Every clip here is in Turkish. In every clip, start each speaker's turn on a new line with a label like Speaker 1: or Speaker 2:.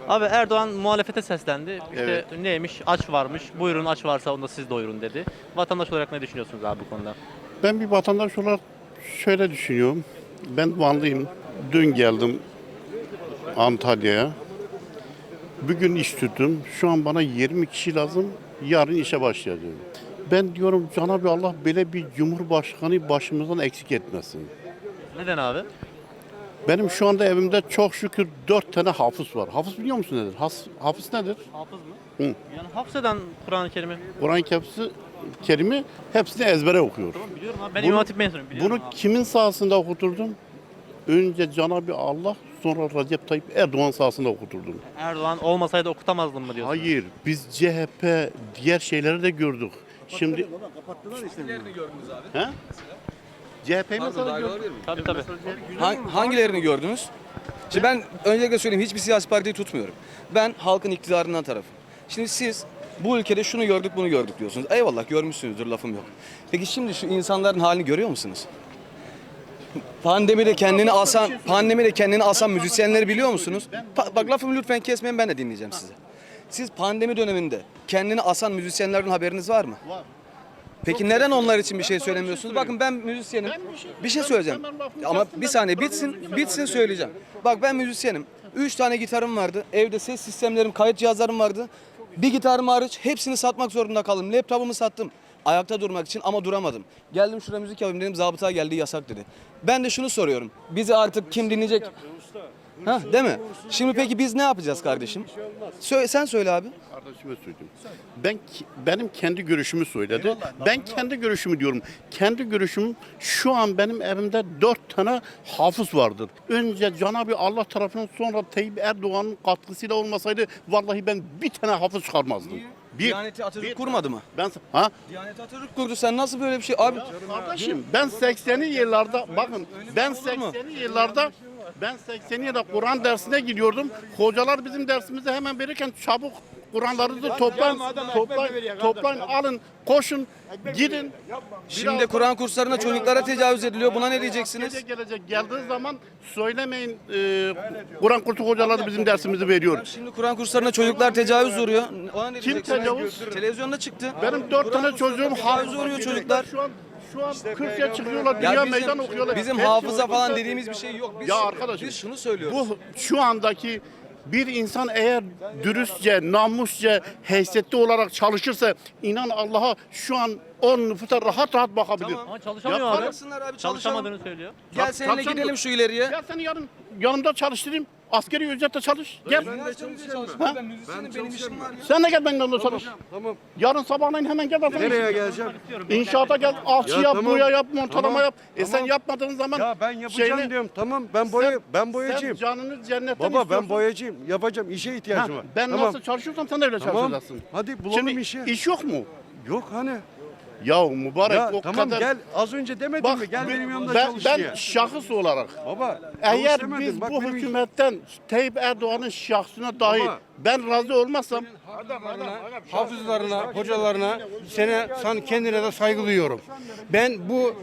Speaker 1: Abi Erdoğan muhalefete seslendi. İşte
Speaker 2: Evet.
Speaker 1: neymiş? Aç varmış. Buyurun aç varsa onu da siz doyurun dedi. Vatandaş olarak ne düşünüyorsunuz abi bu konuda?
Speaker 2: Ben bir vatandaş olarak şöyle düşünüyorum. Ben Vanlıyım. Dün geldim Antalya'ya. Bugün iş tuttum. Şu an bana 20 kişi lazım. Yarın işe başlayacağım. Ben diyorum Cenab-ı Allah böyle bir cumhurbaşkanı başımızdan eksik etmesin.
Speaker 1: Neden abi?
Speaker 2: Benim şu anda evimde çok şükür 4 tane hafız var. Hafız biliyor musun nedir? Hafız nedir?
Speaker 1: Hafız mı?
Speaker 2: Hı.
Speaker 1: Yani hafızeden Kur'an-ı Kerim'i.
Speaker 2: Kur'an-ı Kerim'i hepsini ezbere okuyor.
Speaker 1: Tamam biliyorum abi. Ben
Speaker 2: Bunu-
Speaker 1: İmam Hatip mezunuyum. Biliyorum
Speaker 2: Bunu
Speaker 1: abi.
Speaker 2: kimin sahasında okuturdum? Önce Cenab-ı Allah, sonra Recep Tayyip Erdoğan sahasında okuturdum.
Speaker 1: Erdoğan olmasaydı okutamazdım mı diyorsun?
Speaker 2: Hayır, biz CHP diğer şeyleri de gördük. Şimdi
Speaker 3: Hangilerini gördünüz abi?
Speaker 2: he? CHP'yi
Speaker 3: Pardon,
Speaker 2: mesela
Speaker 3: dahil
Speaker 2: gördük.
Speaker 3: olabilir miyim?
Speaker 1: Tabii tabii.
Speaker 3: Hangilerini gördünüz? Şimdi ben öncelikle söyleyeyim, hiçbir siyasi partiyi tutmuyorum. Ben halkın iktidarından tarafım. Şimdi siz bu ülkede şunu gördük bunu gördük diyorsunuz. Eyvallah görmüşsünüzdür, lafım yok. Peki şimdi şu insanların halini görüyor musunuz? Pandemide kendini asan müzisyenleri biliyor musunuz? Bak lafımı lütfen kesmeyin, ben de dinleyeceğim sizi. Siz pandemi döneminde kendini asan müzisyenlerden haberiniz var mı?
Speaker 2: Var.
Speaker 3: Peki neden onlar için bir şey söylemiyorsunuz? Bakın ben müzisyenim. Bir şey söyleyeceğim. Ama bir saniye bitsin söyleyeceğim. Bak ben müzisyenim. 3 tane gitarım vardı. Evde ses sistemlerim, kayıt cihazlarım vardı. Bir gitarım hariç hepsini satmak zorunda kaldım. Laptopumu sattım. Ayakta durmak için ama duramadım. Geldim şuraya müzik yapayım dedim. Zabıta geldi yasak dedi. Ben de şunu soruyorum. Bizi artık kim dinleyecek? Ha, değil mi? Şimdi peki biz ne yapacağız kardeşim? Sen söyle abi.
Speaker 2: Kardeşime söyleyeyim. Benim kendi görüşümü söyledi. Ben kendi görüşümü diyorum. Kendi görüşüm şu an benim evimde 4 tane hafız vardır. Önce Cenab-ı Allah tarafından sonra Tayyip Erdoğan'ın katkısıyla olmasaydı vallahi ben bir tane hafız çıkarmazdım.
Speaker 3: Diyaneti Atatürk kurmadı mı?
Speaker 2: Ha?
Speaker 3: Diyaneti Atatürk kurdu. Sen nasıl böyle bir şey abi?
Speaker 2: Kardeşim ben 80'li yıllarda bakın ben
Speaker 3: olur mu?
Speaker 2: 80'li yıllarda Kur'an dersine gidiyordum. Hocalar bizim dersimizi hemen verirken çabuk Kur'anlarınızı toplayın, alın, koşun, gidin.
Speaker 3: Şimdi Kur'an kurslarına çocuklara tecavüz ediliyor. Buna ne diyeceksiniz?
Speaker 2: Gece gelecek geldiği zaman söylemeyin Kur'an kursu hocaları bizim dersimizi veriyor.
Speaker 3: Şimdi Kur'an kurslarına çocuklar tecavüz uğruyor. Ona ne
Speaker 2: Kim
Speaker 3: diyeceksiniz?
Speaker 2: tecavüz?
Speaker 3: Televizyonda çıktı.
Speaker 2: Benim 4 tane çocuğum
Speaker 3: tecavüz uğruyor çocuklar.
Speaker 2: Şu an 40'ya çıkıyorlar, dünya
Speaker 3: Ya
Speaker 2: meydan okuyorlar.
Speaker 3: bizim
Speaker 2: Hepsi
Speaker 3: hafıza falan
Speaker 2: orada.
Speaker 3: dediğimiz bir şey yok.
Speaker 2: Ya arkadaşım,
Speaker 3: biz şunu söylüyoruz.
Speaker 2: Bu şu andaki bir insan eğer dürüstçe, namusça, heysiyetli olarak çalışırsa inan Allah'a şu an o nüfusa rahat rahat bakabilir.
Speaker 3: Tamam.
Speaker 1: Ama çalışamıyor
Speaker 2: Yapar
Speaker 1: abi.
Speaker 3: Çalışsınlar abi,
Speaker 1: Çalışamadığını söylüyor.
Speaker 3: Gel seninle
Speaker 2: Çalışan-
Speaker 3: gidelim şu ileriye.
Speaker 2: Gel seni yanımda çalıştırayım. Askeri ücretle çalış. Gel.
Speaker 3: Ben müzisyenim, benim işim var ya.
Speaker 2: Sen de gel benimle yanımda çalış.
Speaker 4: Tamam.
Speaker 2: Yarın sabahleyin hemen gel.
Speaker 4: Nereye geleceğim?
Speaker 2: İnşaata gel, alçı
Speaker 4: Ya
Speaker 2: yap,
Speaker 4: tamam.
Speaker 2: boya yap, montalama
Speaker 4: Tamam.
Speaker 2: yap. Sen
Speaker 4: Tamam.
Speaker 2: yapmadığın zaman
Speaker 4: Ya ben yapacağım
Speaker 2: şeyini-
Speaker 4: diyorum. Tamam ben
Speaker 2: sen
Speaker 4: boyacıyım.
Speaker 2: canını cennetten
Speaker 4: Baba ben
Speaker 2: istiyorsun.
Speaker 4: boyacıyım. Yapacağım. İşe ihtiyacım
Speaker 2: Ha,
Speaker 4: var.
Speaker 2: ben
Speaker 4: tamam.
Speaker 2: nasıl çalışıyorsam sen de öyle
Speaker 4: Tamam.
Speaker 2: çalışacaksın.
Speaker 4: Hadi bulalım
Speaker 2: Şimdi
Speaker 4: işi.
Speaker 2: iş yok mu?
Speaker 4: Yok hani.
Speaker 2: Ya mübarek
Speaker 4: Ya
Speaker 2: o
Speaker 4: tamam
Speaker 2: kadar.
Speaker 4: gel az önce demedin
Speaker 2: Bak
Speaker 4: mi? Gel benim yanımda
Speaker 2: ben,
Speaker 4: çalış
Speaker 2: ben
Speaker 4: diye.
Speaker 2: şahıs olarak
Speaker 4: Baba çalış
Speaker 2: eğer
Speaker 4: demedin.
Speaker 2: biz
Speaker 4: Bak
Speaker 2: bu
Speaker 4: benim-
Speaker 2: hükümetten Tayyip Erdoğan'ın şahsına dahi
Speaker 4: Baba.
Speaker 2: ben razı olmazsam
Speaker 5: Hafızlarına, hocalarına, sen kendine de saygı duyuyorum. Ben bu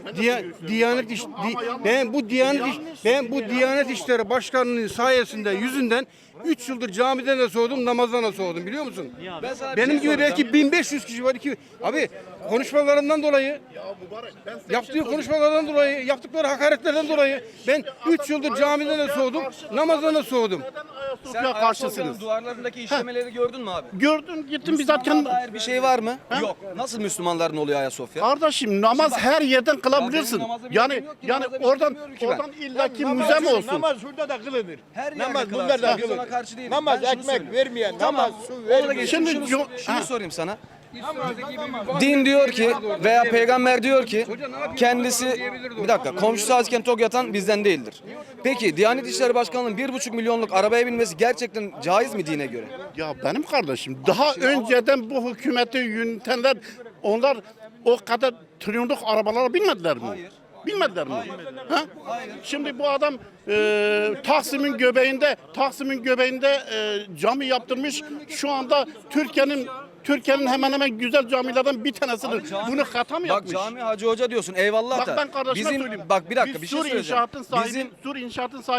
Speaker 5: Diyanet İşleri Başkanı'nın sayesinde yüzünden 3 yıldır camiden de soğudum, namazdan da soğudum biliyor musun?
Speaker 3: Ben sana bir
Speaker 5: Benim
Speaker 3: şey
Speaker 5: gibi
Speaker 3: soracağım.
Speaker 5: belki 1500 kişi var ki abi konuşmalarından dolayı yaptığı konuşmalardan dolayı, yaptıkları hakaretlerden dolayı ben 3 yıldır camiden de soğudum, namazdan da soğudum.
Speaker 3: Sen
Speaker 2: Ayasofya
Speaker 3: Ayasofya'nın
Speaker 2: karşısınız.
Speaker 3: duvarlarındaki işlemeleri gördün mü abi?
Speaker 2: Gördün gittim bizzat kendim.
Speaker 3: Dair bir şey var mı? Yok. Nasıl Müslümanların oluyor Ayasofya?
Speaker 2: Kardeşim namaz her yerden
Speaker 3: Ya
Speaker 2: kılabilirsin.
Speaker 3: benim namazda bir
Speaker 2: Yani
Speaker 3: şeyim yok ki,
Speaker 2: yani
Speaker 3: namazda bir şey
Speaker 2: oradan
Speaker 3: bilmiyorum ki ben.
Speaker 2: oradan illaki müze mi olsun?
Speaker 6: Namaz şurada da kılınır.
Speaker 3: Her
Speaker 6: Namaz
Speaker 3: yerde
Speaker 6: bunlar da
Speaker 3: kılarsın. Biz
Speaker 6: kılınır.
Speaker 3: ona karşı değiliz.
Speaker 6: Namaz
Speaker 3: Ben şunu
Speaker 6: ekmek
Speaker 3: söylüyorum.
Speaker 6: vermeyen,
Speaker 3: Tamam.
Speaker 6: namaz su
Speaker 3: Ona
Speaker 6: vermeyen.
Speaker 3: geçelim.
Speaker 2: Şimdi
Speaker 3: Şunu sorayım sana. Din diyor ki veya peygamber diyor ki kendisi bir dakika komşusu azken tok yatan bizden değildir. Peki Diyanet İşleri Başkanlığı'nın 1,5 milyonluk arabaya binmesi gerçekten caiz mi dine göre?
Speaker 2: Ya benim kardeşim daha önceden bu hükümeti yönetenler onlar o kadar trilyonluk arabalara binmediler mi?
Speaker 3: Hayır.
Speaker 2: Bilmediler mi? Ha? Şimdi bu adam Taksim'in göbeğinde cami yaptırmış. Şu anda Türkiye'nin hemen hemen güzel camilerden bir tanesidir. Bunu hata mı
Speaker 3: Bak
Speaker 2: yapmış?
Speaker 3: cami hacı hoca diyorsun eyvallah
Speaker 2: Bak
Speaker 3: da.
Speaker 2: ben kardeşime
Speaker 3: Bizim
Speaker 2: söyleyeyim.
Speaker 3: bak bir dakika bir şey
Speaker 2: Sur
Speaker 3: söyleyeceğim.
Speaker 2: inşaatın sahibi,
Speaker 3: Bizim
Speaker 2: Sur inşaatın sahibi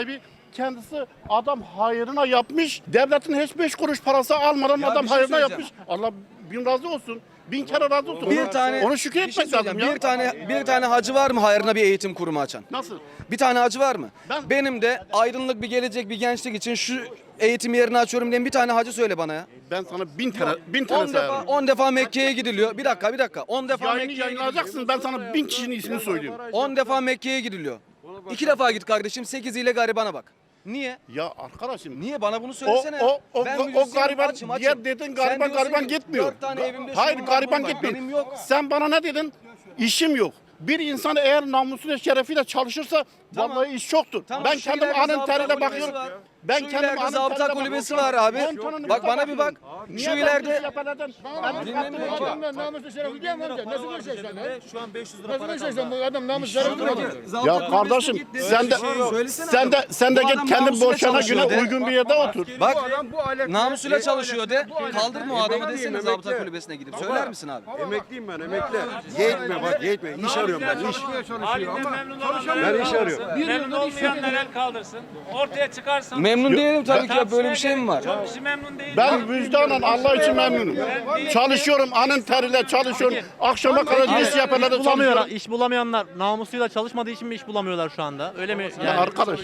Speaker 2: kendisi adam hayrına yapmış. Devletin hiç 5 kuruş parası almadan
Speaker 3: Ya
Speaker 2: adam
Speaker 3: bir şey
Speaker 2: hayrına
Speaker 3: söyleyeceğim.
Speaker 2: yapmış. Allah bin razı olsun. 1000 kere razı olsun.
Speaker 3: Bir tane
Speaker 2: onu şükür
Speaker 3: bir şey
Speaker 2: etmek lazım
Speaker 3: söyleyeceğim.
Speaker 2: ya.
Speaker 3: Bir tane hacı var mı hayrına bir eğitim kurumu açan?
Speaker 2: Nasıl?
Speaker 3: Bir tane hacı var mı?
Speaker 2: Ben-
Speaker 3: Benim de aydınlık bir gelecek, bir gençlik için şu eğitim yerini açıyorum diyen bir tane hacı söyle bana ya.
Speaker 2: Ben sana 1000 tane
Speaker 3: 10 defa,
Speaker 2: sayarım.
Speaker 3: 10 defa Mekke'ye gidiliyor. Bir dakika. 10 defa
Speaker 2: Yayını
Speaker 3: Mekke'ye
Speaker 2: yayınlayacaksın. Ben sana 1000 kişinin ismini söyleyeyim.
Speaker 3: 10 defa Mekke'ye gidiliyor. 2 defa git kardeşim, 8 ile garibana bak. Niye?
Speaker 2: Ya arkadaşım.
Speaker 3: Niye? Bana bunu söylesene.
Speaker 2: O
Speaker 3: Ben
Speaker 2: gariban
Speaker 3: müzisyenim, açım.
Speaker 2: diğer dedin
Speaker 3: Sen
Speaker 2: gariban
Speaker 3: diyorsun ki,
Speaker 2: gitmiyor.
Speaker 3: 4 tane evimde
Speaker 2: Hayır
Speaker 3: şunun var,
Speaker 2: gariban
Speaker 3: bunun var.
Speaker 2: gitmiyor.
Speaker 3: Benim yok.
Speaker 2: Sen bana ne dedin? İşim yok. Bir insan eğer namusuyla şerefiyle çalışırsa
Speaker 3: Tamam.
Speaker 2: vallahi iş çoktur.
Speaker 3: Tamam,
Speaker 2: ben
Speaker 3: şu
Speaker 2: kendim
Speaker 3: ileride
Speaker 2: anın
Speaker 3: zabıta
Speaker 2: teriyle
Speaker 3: kulübesi
Speaker 2: bakıyorum.
Speaker 3: var.
Speaker 2: Ben
Speaker 3: Şu
Speaker 2: kendim
Speaker 3: ileride
Speaker 2: anın
Speaker 3: zabıta
Speaker 2: teriyle
Speaker 3: kulübesi
Speaker 2: bakıyorum.
Speaker 3: var abi.
Speaker 2: 10 tonun
Speaker 3: Bak
Speaker 2: üstüne
Speaker 3: bana bir bak.
Speaker 2: bakıyorum.
Speaker 3: Şu
Speaker 2: Niye
Speaker 3: ileride-
Speaker 2: ben iş yapalardan- Ben
Speaker 3: Dinlemiyor ki.
Speaker 6: Namuslu şerefli diye mi amca? Nasıl göreceksin lan?
Speaker 7: Şu an 500 lira
Speaker 6: Nasıl
Speaker 7: para
Speaker 6: göreceksin
Speaker 7: kaldı.
Speaker 6: bu adam namus şerefli mi?
Speaker 2: Ya kardeşim sen de git kendi boşana güne uygun bir yerde otur.
Speaker 3: Bak
Speaker 5: Bu alet
Speaker 3: namusuyla çalışıyor de. Kaldırma o adamı desene zabıta kulübesine gidip. Söyler misin abi?
Speaker 4: Emekliyim ben emekli. Yetme bak yetme. İş arıyorum ben iş.
Speaker 8: Halinden memnun olanlar
Speaker 4: Ben
Speaker 8: el
Speaker 4: iş arıyorum.
Speaker 8: kaldırsın, memnun olmayanlar el kaldırsın. Ortaya çıkarsın.
Speaker 3: Memnun değilim tabii ki ya, böyle bir şey mi var?
Speaker 8: Çok kişi memnun değil.
Speaker 2: Ben vicdanen Allah için memnunum. Çalışıyorum anın teriyle çalışıyorum. Akşama kadar iş yaparlar da
Speaker 1: Bulamıyor,
Speaker 2: çalışıyorum.
Speaker 1: iş bulamayanlar namusuyla çalışmadığı için mi iş bulamıyorlar şu anda? Öyle mi?
Speaker 2: Ya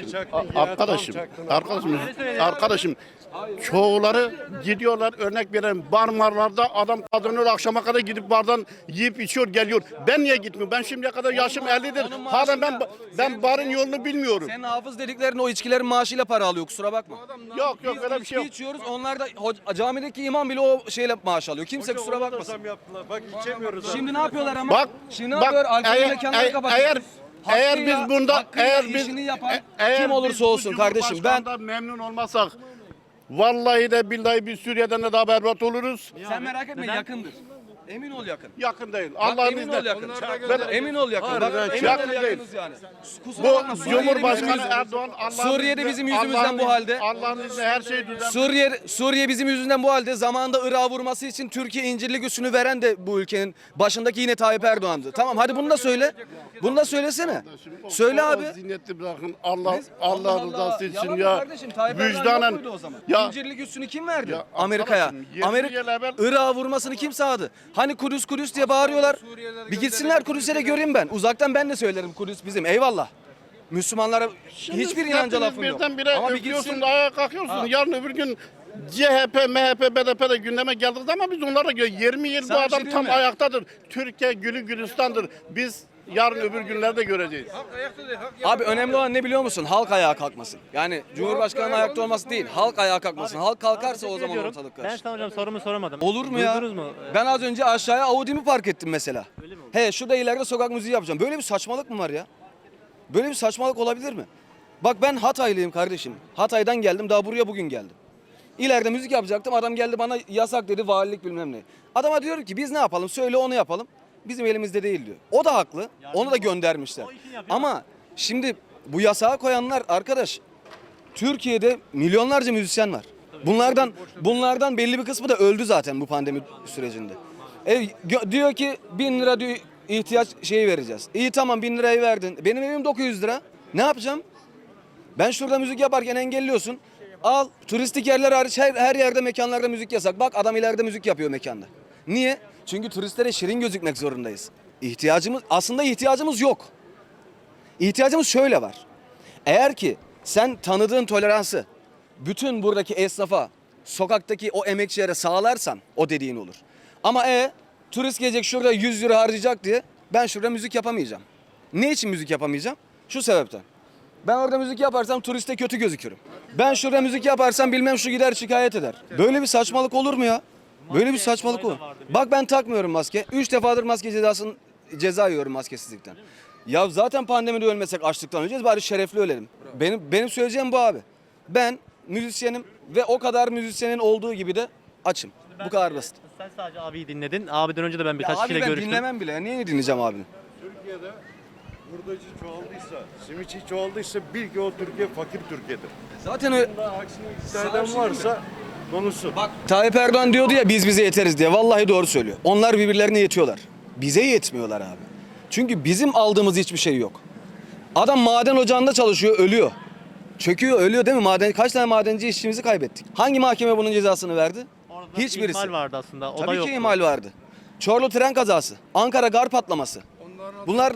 Speaker 2: arkadaşım, çoğuları gidiyorlar örnek veren barmarlarda adam kazanıyor akşama kadar gidip bardan yiyip içiyor geliyor. Ben niye gitmiyorum? Ben şimdiye kadar yaşım 50'dir. Hala ben barın yolunu bilmiyorum.
Speaker 3: Senin hafız dediklerin o içkilerin maaşıyla para alıyor, kusura bakma.
Speaker 2: Yok
Speaker 3: Biz
Speaker 2: öyle bir şey yok.
Speaker 3: içki içiyoruz, onlar da camideki imam bile o şeyle maaş alıyor. Kimse kusura bakmasın.
Speaker 7: Zam yaptılar. Bak içemiyoruz.
Speaker 3: Şimdi ne yapıyorlar ama?
Speaker 2: Bak,
Speaker 3: Şimdi ne
Speaker 2: bak,
Speaker 3: yapıyor? Alkol
Speaker 2: eğer-
Speaker 3: mekanları kapatıyor.
Speaker 2: eğer biz bunda
Speaker 3: hakkıyla işini yapan kim olursa
Speaker 2: biz bu
Speaker 3: olsun kardeşim, ben
Speaker 2: Cumhurbaşkanı'ndan memnun olmasak vallahi de billahi biz Suriye'den de daha berbat oluruz.
Speaker 3: sen merak etme, yakındır. Emin ol yakın.
Speaker 2: Yakın değil.
Speaker 3: Bak,
Speaker 2: Allah'ın
Speaker 3: emin ol
Speaker 2: izniyle.
Speaker 3: yakın.
Speaker 2: Ben-
Speaker 3: Emin ol yakın. Bak, emin
Speaker 2: yakın
Speaker 3: ol
Speaker 2: değil.
Speaker 3: yakınız yani. Kusura bakma,
Speaker 2: Bu
Speaker 3: Suriye'de
Speaker 2: Cumhurbaşkanı
Speaker 3: bizim
Speaker 2: Erdoğan Allah'ın
Speaker 3: Suriye'de
Speaker 2: izniyle-
Speaker 3: bizim yüzümüzden
Speaker 2: Allah'ın
Speaker 3: bu
Speaker 2: izniyle-
Speaker 3: halde.
Speaker 2: Allah'ın izniyle her şey düzen.
Speaker 3: Suriye bizim yüzünden bu halde. Zamanında Irak'a vurması için Türkiye incirlik üssünü veren de bu ülkenin başındaki yine Tayyip Erdoğan'dı. Tamam hadi bunu da söyle. Bunu da söylesene. Söyle abi.
Speaker 2: Ziyneti bırakın. Allah rızası için
Speaker 3: Yapma
Speaker 2: ya.
Speaker 3: kardeşim, Tayyip Erdoğan yok
Speaker 2: Vicdanen.
Speaker 3: muydu o zaman?
Speaker 2: Ya
Speaker 3: İncirlik üssünü kim verdi?
Speaker 2: Ya
Speaker 3: Amerika'ya.
Speaker 2: arkadaşım, 20 yıl evvel-
Speaker 3: Irak'a vurmasını kim sağladı? Hani Kudüs diye bağırıyorlar. Bir gitsinler Kudüs'e de göreyim ben. Uzaktan ben de söylerim Kudüs bizim. Eyvallah. Müslümanlara hiçbir inanca lafım yok.
Speaker 2: Birdenbire
Speaker 3: Ama bir
Speaker 2: öpüyorsun,
Speaker 3: gitsin.
Speaker 2: ayağa kalkıyorsun. Yarın öbür gün CHP, MHP, BDP de gündeme geldiği zaman biz onlara göre 20 yıl bu
Speaker 3: Sana bir şey
Speaker 2: adam
Speaker 3: diyeyim
Speaker 2: tam
Speaker 3: mi?
Speaker 2: ayaktadır. Türkiye gülü gülistandır. Biz yarın öbür günlerde göreceğiz.
Speaker 3: Abi önemli olan ne biliyor musun? Halk ayağa kalkmasın. Yani Cumhurbaşkanı'nın ayakta olması değil. Halk ayağa kalkmasın. Halk kalkarsa o zaman
Speaker 1: Ediyorum.
Speaker 3: ortalık
Speaker 1: Ben
Speaker 3: karışır.
Speaker 1: sana hocam sorumu soramadım.
Speaker 3: Olur mu ya?
Speaker 1: Duydunuz mu?
Speaker 3: Ben az önce aşağıya Audi'mi park ettim mesela. He şurada ileride sokak müziği yapacağım. Böyle bir saçmalık mı var ya? Böyle bir saçmalık olabilir mi? Bak ben Hataylıyım kardeşim. Hatay'dan geldim, daha buraya bugün geldim. İleride müzik yapacaktım, adam geldi bana yasak dedi, valilik bilmem ne. Adama diyorum ki biz ne yapalım, söyle onu yapalım. Bizim elimizde değil diyor. O da haklı, onu da göndermişler. Ama şimdi bu yasağı koyanlar arkadaş, Türkiye'de milyonlarca müzisyen var. Bunlardan belli bir kısmı da öldü zaten bu pandemi sürecinde. Diyor ki 1000 lira diyor, ihtiyaç şeyi vereceğiz. İyi tamam 1000 lirayı verdin. Benim evim 900 lira. Ne yapacağım? Ben şurada müzik yaparken engelliyorsun. Al turistik yerler hariç her yerde mekanlarda müzik yasak. Bak adam ileride müzik yapıyor mekanda. Niye? Çünkü turistlere şirin gözükmek zorundayız. Aslında ihtiyacımız yok. İhtiyacımız şöyle var. Eğer ki sen tanıdığın toleransı bütün buradaki esnafa, sokaktaki o emekçilere sağlarsan o dediğin olur. Ama turist gelecek şurada 100 lira harcayacak diye ben şurada müzik yapamayacağım. Ne için müzik yapamayacağım? Şu sebepten. Ben orada müzik yaparsam turiste kötü gözükürüm. Ben şurada müzik yaparsam bilmem şu gider şikayet eder. Böyle bir saçmalık olur mu ya? Böyle bir saçmalık olur. Bak ben takmıyorum maske. 3 defadır maske ceza yiyorum maskesizlikten. Ya zaten pandemide ölmesek açlıktan öleceğiz, bari şerefli ölelim. Benim söyleyeceğim bu abi. Ben müzisyenim ve o kadar müzisyenin olduğu gibi de açım. Bu kadar basit.
Speaker 1: Sen sadece abiyi dinledin. Abiden önce de ben
Speaker 3: Ya
Speaker 1: birkaç
Speaker 3: abi
Speaker 1: kişiyle
Speaker 3: ben
Speaker 1: görüştüm.
Speaker 3: dinlemem bile. Niye dinleyeceğim abini?
Speaker 7: Türkiye'de hurdacı çoğaldıysa, simitçi çoğaldıysa bil ki o Türkiye fakir Türkiye'dir.
Speaker 3: Zaten öyle.
Speaker 7: Aksini iddia eden varsa konuşsun.
Speaker 3: Bak Tayyip Erdoğan diyordu ya biz bize yeteriz diye. Vallahi doğru söylüyor. Onlar birbirlerine yetiyorlar. Bize yetmiyorlar abi. Çünkü bizim aldığımız hiçbir şey yok. Adam maden ocağında çalışıyor, ölüyor. Çöküyor, ölüyor değil mi? Kaç tane madenci işçimizi kaybettik? Hangi mahkeme bunun cezasını verdi?
Speaker 1: Orada bir
Speaker 3: Hiçbirisi.
Speaker 1: ihmal vardı aslında. O da
Speaker 3: Tabii
Speaker 1: yoktu.
Speaker 3: ki ihmal vardı. Çorlu tren kazası, Ankara gar patlaması, bunlar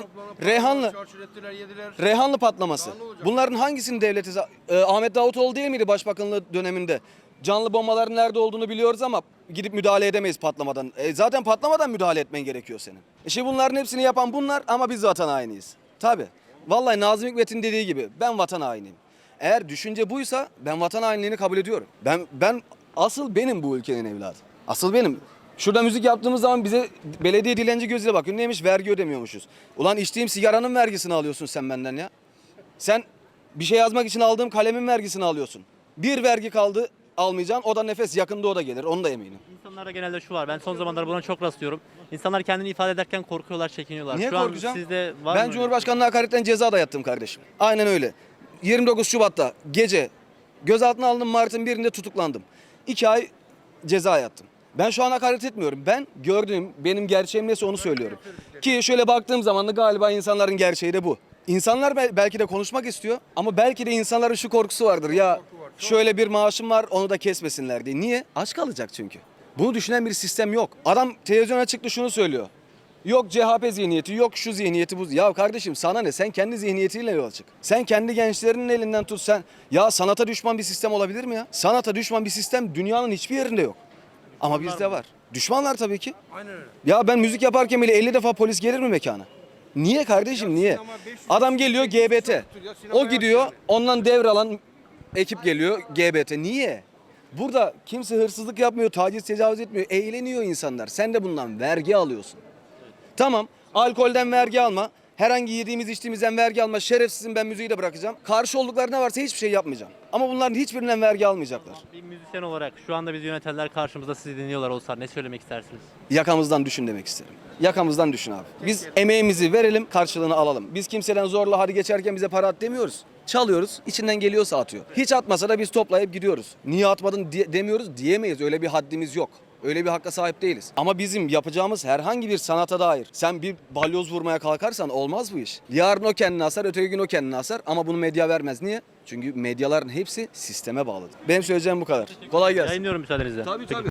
Speaker 3: Reyhanlı patlaması. Bunların hangisini devleti... Ahmet Davutoğlu değil miydi başbakanlığı döneminde? Canlı bombaların nerede olduğunu biliyoruz ama gidip müdahale edemeyiz patlamadan. Zaten patlamadan müdahale etmen gerekiyor senin. Şimdi bunların hepsini yapan bunlar ama biz vatan hainiyiz. Tabii. Vallahi Nazım Hikmet'in dediği gibi ben vatan hainiyim. Eğer düşünce buysa ben vatan hainliğini kabul ediyorum. Ben asıl benim bu ülkenin evladı. Asıl benim. Şurada müzik yaptığımız zaman bize belediye dilenci gözüyle bakıyor. Neymiş? Vergi ödemiyormuşuz. Ulan içtiğim sigaranın vergisini alıyorsun sen benden ya. Sen bir şey yazmak için aldığım kalemin vergisini alıyorsun. Bir vergi kaldı almayacaksın. O da nefes, yakında o da gelir. Onu da eminim.
Speaker 1: İnsanlarda genelde şu var. Ben son zamanlarda buna çok rastlıyorum. İnsanlar kendini ifade ederken korkuyorlar, çekiniyorlar.
Speaker 3: Niye
Speaker 1: Şu an
Speaker 3: korkacağım?
Speaker 1: sizde var
Speaker 3: Ben
Speaker 1: mı?
Speaker 3: Cumhurbaşkanlığı hakaretten ceza da yattım kardeşim. Aynen öyle. 29 Şubat'ta gece gözaltına alındım, Mart'ın 1'inde tutuklandım. 2 ay ceza yattım. Ben şu an hakaret etmiyorum. Ben gördüğüm, benim gerçeğim neyse onu söylüyorum. Ki şöyle baktığım zaman da galiba insanların gerçeği de bu. İnsanlar belki de konuşmak istiyor ama belki de insanların şu korkusu vardır. Ya şöyle bir maaşım var, onu da kesmesinler diye. Niye? Aç kalacak çünkü. Bunu düşünen bir sistem yok. Adam televizyona çıktı şunu söylüyor. Yok CHP zihniyeti, yok şu zihniyeti bu. Ya kardeşim sana ne? Sen kendi zihniyetiyle yola çık. Sen kendi gençlerinin elinden tut sen. Ya sanata düşman bir sistem olabilir mi ya? Sanata düşman bir sistem dünyanın hiçbir yerinde yok. Ama bizde var. Düşmanlar tabii ki.
Speaker 5: Aynen öyle.
Speaker 3: Ya ben müzik yaparken bile 50 defa polis gelir mi mekana? Niye kardeşim niye? Adam geliyor GBT. O gidiyor ondan devralan ekip geliyor GBT. Niye? Burada kimse hırsızlık yapmıyor, taciz tecavüz etmiyor. Eğleniyor insanlar. Sen de bundan vergi alıyorsun. Tamam, alkolden vergi alma. Herhangi yediğimiz içtiğimizden vergi alma. Şerefsizim, ben müziği de bırakacağım. Karşı oldukları ne varsa hiçbir şey yapmayacağım. Ama bunların hiçbirinden vergi almayacaklar.
Speaker 1: Bir müzisyen olarak şu anda bizi yönetenler karşımızda sizi dinliyorlar olsa ne söylemek istersiniz?
Speaker 3: Yakamızdan düşün demek isterim. Yakamızdan düşün abi. Biz emeğimizi verelim, karşılığını alalım. Biz kimseden zorla hadi geçerken bize para at demiyoruz. Çalıyoruz, içinden geliyorsa atıyor. Hiç atmasa da biz toplayıp gidiyoruz. Niye atmadın demiyoruz, diyemeyiz. Öyle bir haddimiz yok. Öyle bir hakka sahip değiliz. Ama bizim yapacağımız herhangi bir sanata dair sen bir balyoz vurmaya kalkarsan olmaz bu iş. Yarın o kendini asar, öteki gün o kendini asar ama bunu medya vermez. Niye? Çünkü medyaların hepsi sisteme bağlıdır. Benim söyleyeceğim bu kadar. Kolay gelsin.
Speaker 1: Yayınlıyorum müsaadenizle.
Speaker 3: Tabii tabii.